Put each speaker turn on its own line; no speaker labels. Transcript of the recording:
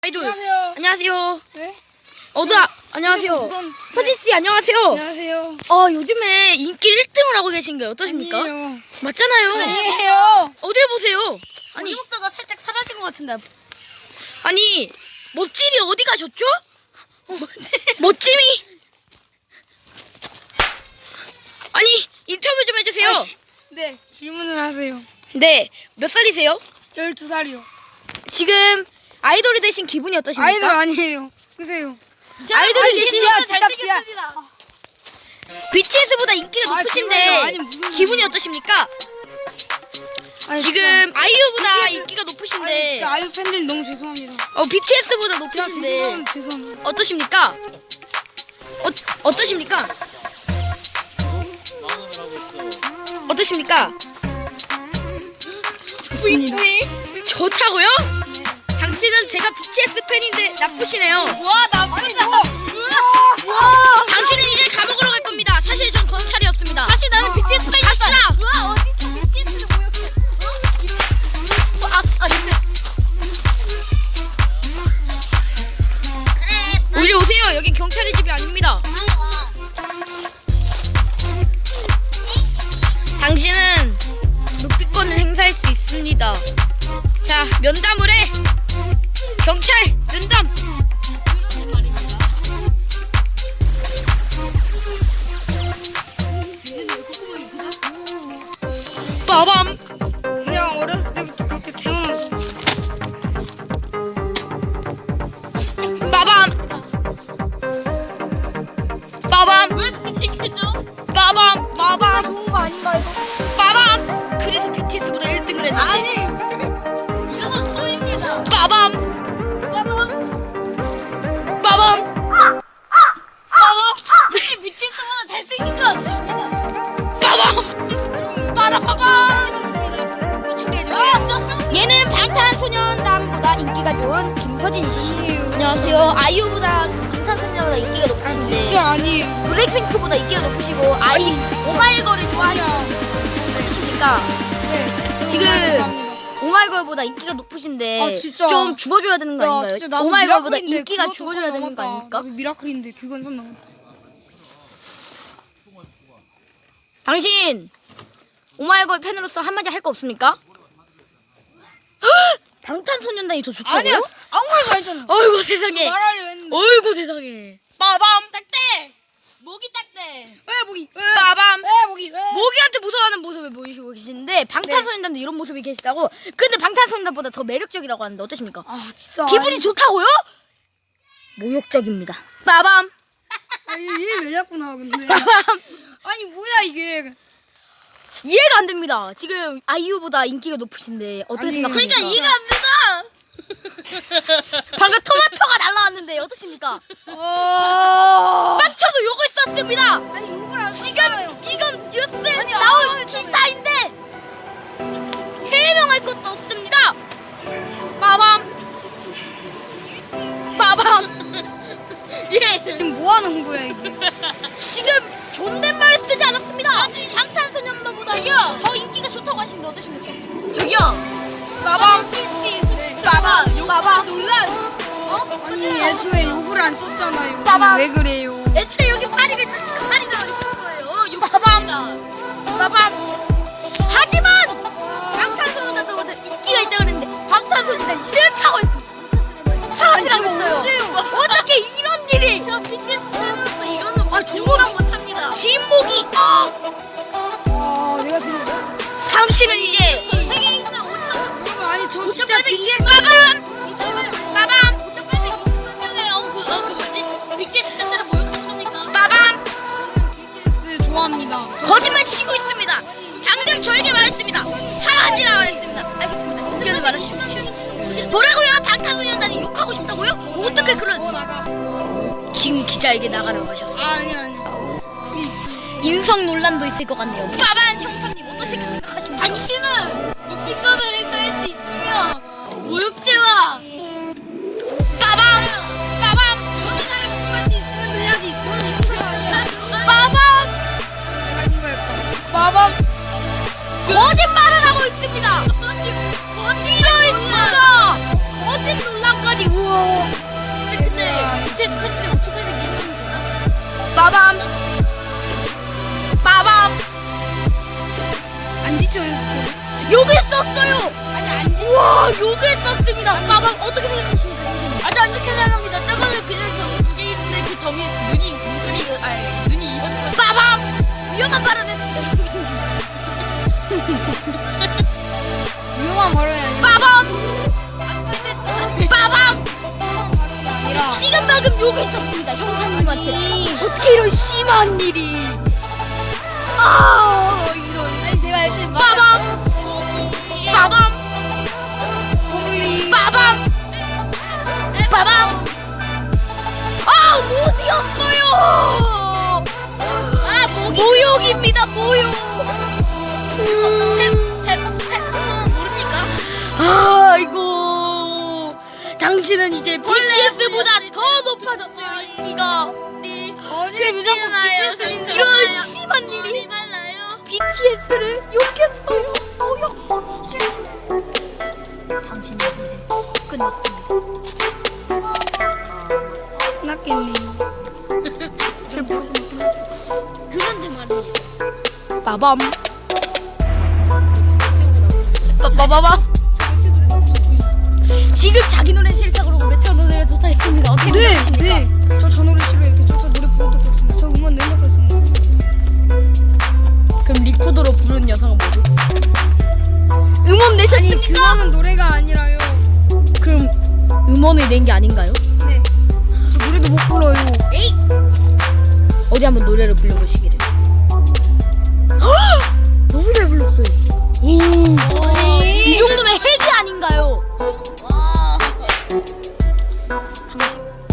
아이돌.
안녕하세요.
안녕하세요.
네?
안녕하세요.
네.
서진 씨 안녕하세요.
안녕하세요.
요즘에 인기 1등을 하고 계신 게 어떠십니까?
아니에요.
맞잖아요.
아니에요.
어딜 보세요.
아니 먹다가 살짝 사라진 것 같은데.
아니 멋짐이 어디 가셨죠? 멋짐이. 아니 인터뷰 좀 해주세요.
네, 질문을 하세요.
네, 몇 살이세요?
12살이요.
지금 아이돌이 되신 기분이 어떠십니까?
아이돌 아니에요. 그세요.
아이돌이 되신
잘생겼습니다.
BTS보다 인기가
아,
높으신데
정말요? 아니, 무슨
기분이 어떠십니까?
아니,
지금
진짜.
아이유보다
BTS
인기가
아니,
높으신데
진짜 아이유 팬들 너무 죄송합니다.
BTS보다
제가
높으신데
죄송합니다.
어떠십니까? 어떠십니까? 어떠십니까?
좋습니다.
좋다고요? 당신은 제가 BTS 팬인데 나쁘시네요.
와 나쁘다.
와, 당신은 이제 감옥으로 갈 겁니다. 사실 전 검찰이었습니다.
사실 나는 BTS 팬이었다.
갑시다.
와 어디서 BTS를 모욕해?
우리 오세요. 여긴 경찰의 집이 아닙니다. 당신은 묵비권을 행사할 수 있습니다. 자, 면담을 해. 경찰 면담. 빠밤.
그냥 어렸을 때부터 그렇게 태어나서.
빠밤. 빠밤.
왜 얘기해줘?
빠밤. 빠밤.
좋은 거 아닌가 이거?
빠밤. 그래서 BTS보다 1등을 했는데.
아니.
이것은 초입니다.
빠밤.
빠밤.
빠밤.
왜 BTS보다 잘생긴 것 같습니다.
빠밤.
빠라빠밤 찍었습니다. 방금 그 처리해줘.
얘는 방탄소년단보다 인기가 좋은 김서진 씨. 안녕하세요. 아이유보다 방탄소년단보다 인기가 높으신데
진짜 아니에요.
블랙핑크보다 인기가 높으시고 오마이걸을 좋아하시는 어떠십니까?
네.
지금
감사합니다.
오마이걸보다 인기가 높으신데
아, 진짜.
좀 죽어줘야 되는 거
야,
아닌가요?
진짜 나도
오마이걸보다
미라클인데
인기가
그것도
죽어줘야
선
되는 거
넘었다.
아닙니까?
나도 미라클인데 그건 선 넘었다.
당신 오마이걸 팬으로서 한마디 할 거 없습니까? 방탄소년단이 더 좋다고요?
아니야. 아무 말도 안 했잖아.
어이구 세상에.
말하려 했는데.
어이구 세상에. 빠밤.
딱대. 목이 딱대.
왜 모기? 왜?
빠밤.
왜 모기? 왜?
모기한테 무서워하는 모습을 보이시고 계시는데 방탄소년단도 이런 모습이 계시다고. 근데 방탄소년단보다 더 매력적이라고 하는데 어떠십니까?
아 진짜.
기분이 좋다고요? 모욕적입니다. 빠밤.
얘왜 자꾸 나와 근데?
빠밤.
아니 뭐야 이게?
이해가 안 됩니다. 지금 아이유보다 인기가 높으신데 어떻게
아니,
생각하십니까?
그러니까
이해가 안 된다.
방금 토마토가 날라왔는데 어떠십니까?
어.
빵쳐도 욕을 썼습니다.
아니 욕을 안
지금
썼잖아요.
이건 뉴스에
아니,
나온
아,
기사인데 해명할 것도 없습니다. 빠밤. 빠밤.
예.
지금 뭐 하는 거야 이게?
지금 존댓말을 쓰지 않았습니다. 방탄소년단보다
저기요.
더 인기가 좋다고 하시는데 어떠십니까?
저기요.
빠밤. 빠밤. 빠밤.
놀란.
아니 애초에 욕을 안 썼잖아요.
빠밤.
왜 그래요?
애초에 여기 파리가 있었으니까 파리가 이렇게 쓴 거예요. 욕
빠밤.
씁니다.
빠밤. 하지만 방탄소년단보다 인기가 있다 그랬는데 방탄소년단이 싫다고 했습니다. 사라지라고 했어요. 어떻게 이런 일이?
저 BTS 팬으로서 이거는 뭐
정말
용납 못합니다.
뒷목이
내가 지금
당신은 이제
세계에 있는 5,000명
이거 아니 저 진짜
5,820
빠밤. 빠밤.
5,820명의 그 뭐지? BTS 팬들을 모욕했습니까?
빠밤.
저는 BTS 좋아합니다.
거짓말 치고 있습니다. 방금 저에게 말했습니다. 사라지라 말했습니다. 알겠습니다. 의견을 말하십시오. 뭐라고요? 방탄소년단이 욕하고 싶다고요? 어떻게 그런
나가.
지금 기자에게 나가라고 하셨어요.
아니. 그게 있어.
인성 논란도 있을 것 같네요. 빠밤 형사님 어떠실까 생각하십니까?
당신은 묵비권을 행사할 수 있으며 모욕죄와
빠밤. 빠밤.
연애자를 공부할 수 있으면 해야지. 너는 행사가 아니야.
빠밤.
내가 행사할까?
빠밤. 거짓말을 하고 있습니다. 이런 있어. 거짓 논란까지. 우와.
빛이 OST.
욕을 썼어요.
아니 안지.
와, 욕을 썼습니다. 빠밤 어떻게 생각하십니까?
아주 안 좋게 생각합니다. 저거는 그냥 점 2개 있는데 그 점이 눈이 이어져서
빠밤 위험한 발언 했습니다.
위험한 발언이 아니라.
빠밤 빠밤
위험한 발언이 아니라.
지금 방금 욕을 썼습니다. 형사님한테.
아니.
어떻게 이런 심한 일이. 아, 이런.
아니 제가 애초에
빠밤 빠밤
버블리.
빠밤 빠밤. 아, 못 이었어요. 아, 모욕입니다. 모욕.
모릅니까?
아이고, 당신은 이제 BTS보다 더 높아졌죠, 인기가.
어제 무조건 BTS인 줄
이런
알아요.
심한 일이.
말라요.
BTS를 욕했어요. 모욕. 당신은 이제 끝났습니다.
끝났겠네. 슬펐으면 끝났겠지.
그런데 말이야.
빠밤. 빠바바바.
저 매트 노래 너무 좋습니다.
지금 자기 노래 싫다 그러고 메테오 노래가 좋다 했습니다. 어떻게
네,
생각하십니까?
네. 저 노래 싫어요. 저 노래 부른 적도 없습니다. 저 음원 낸 적도 없습니다.
그럼 리코더로 부른 여성은 뭐죠? 음원
아니
내셨습니까?
그거는 노래가 아니라요.
그럼 음원을 낸 게 아닌가요?
네. 저 노래도 못 불러요.
에이! 어디 한번 노래를 불러보시기를. 너무 잘 불렀어요.
아니.
이 정도면 핵이 아닌가요?
와.
당신